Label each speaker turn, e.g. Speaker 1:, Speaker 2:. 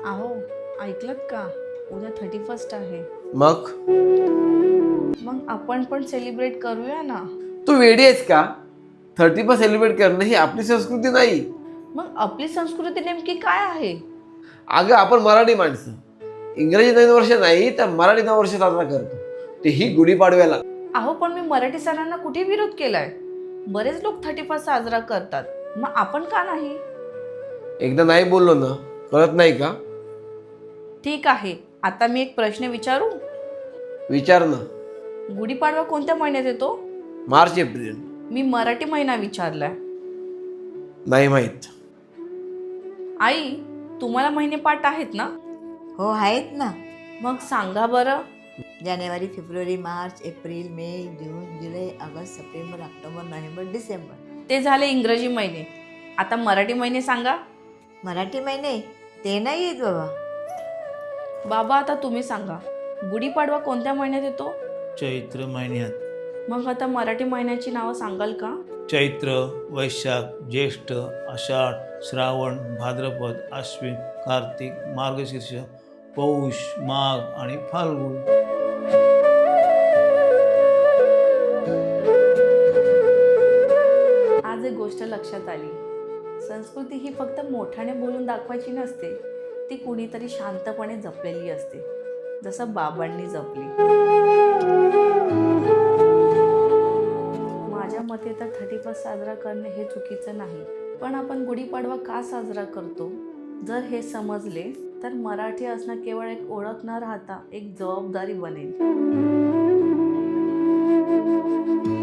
Speaker 1: अहो, ऐकलत का? उद्या 31st आहे.
Speaker 2: मग
Speaker 1: मग आपण पण सेलिब्रेट करूया ना.
Speaker 2: तू वेडी आहेस का? 31 सेलिब्रेट करणं ही आपली संस्कृती नाही.
Speaker 1: मग आपली संस्कृती नेमकी काय आहे?
Speaker 2: अगं आपण मराठी माणसं इंग्रजी नवीन वर्ष नाही तर मराठी नवं वर्ष साजरा करतो, तेही गुढीपाडव्याला.
Speaker 1: अहो, पण मी मराठी सणांना कुठे विरोध केलाय? बरेच लोक 31st साजरा करतात. मग आपण का नाही?
Speaker 2: एकदा नाही बोललो ना, कळत नाही का?
Speaker 1: ठीक आहे. आता मी एक प्रश्न विचारू?
Speaker 2: विचार ना.
Speaker 1: गुढीपाडवा कोणत्या महिन्यात येतो?
Speaker 2: March April.
Speaker 1: मी मराठी महिना विचारलाय.
Speaker 2: नाही माहीत.
Speaker 1: आई, तुम्हाला महिने पाठ आहेत ना?
Speaker 3: हो आहेत ना.
Speaker 1: मग सांगा बरं.
Speaker 3: जानेवारी, फेब्रुवारी, मार्च, एप्रिल, मे, जून, जुलै, ऑगस्ट, सप्टेंबर, ऑक्टोबर, नोव्हेंबर, डिसेंबर.
Speaker 1: ते झाले इंग्रजी महिने. आता मराठी महिने सांगा.
Speaker 3: मराठी महिने ते नाही येत बाबा.
Speaker 1: बाबा, आता तुम्ही सांगा. गुढीपाडवा कोणत्या महिन्यात येतो?
Speaker 4: चैत्र महिन्यात.
Speaker 1: मग आता मराठी महिन्याची नावं सांगाल का?
Speaker 4: चैत्र, वैशाख, ज्येष्ठ, आषाढ, श्रावण, भाद्रपद, आश्विन, कार्तिक, मार्गशीर्ष, पौष, माघ आणि फाल्गुन.
Speaker 1: आज एक गोष्ट लक्षात आली. संस्कृती ही फक्त मोठ्याने बोलून दाखवायची नसते, ती कुणीतरी शांतपणे जपलेली असते, जसं बाबांनी जपली. माझ्या मते तर 31st साजरा करणे हे चुकीचं नाही, पण आपण गुढीपाडवा का साजरा करतो जर हे समजले तर मराठी असणं केवळ एक ओळख न राहता एक जबाबदारी बनेल.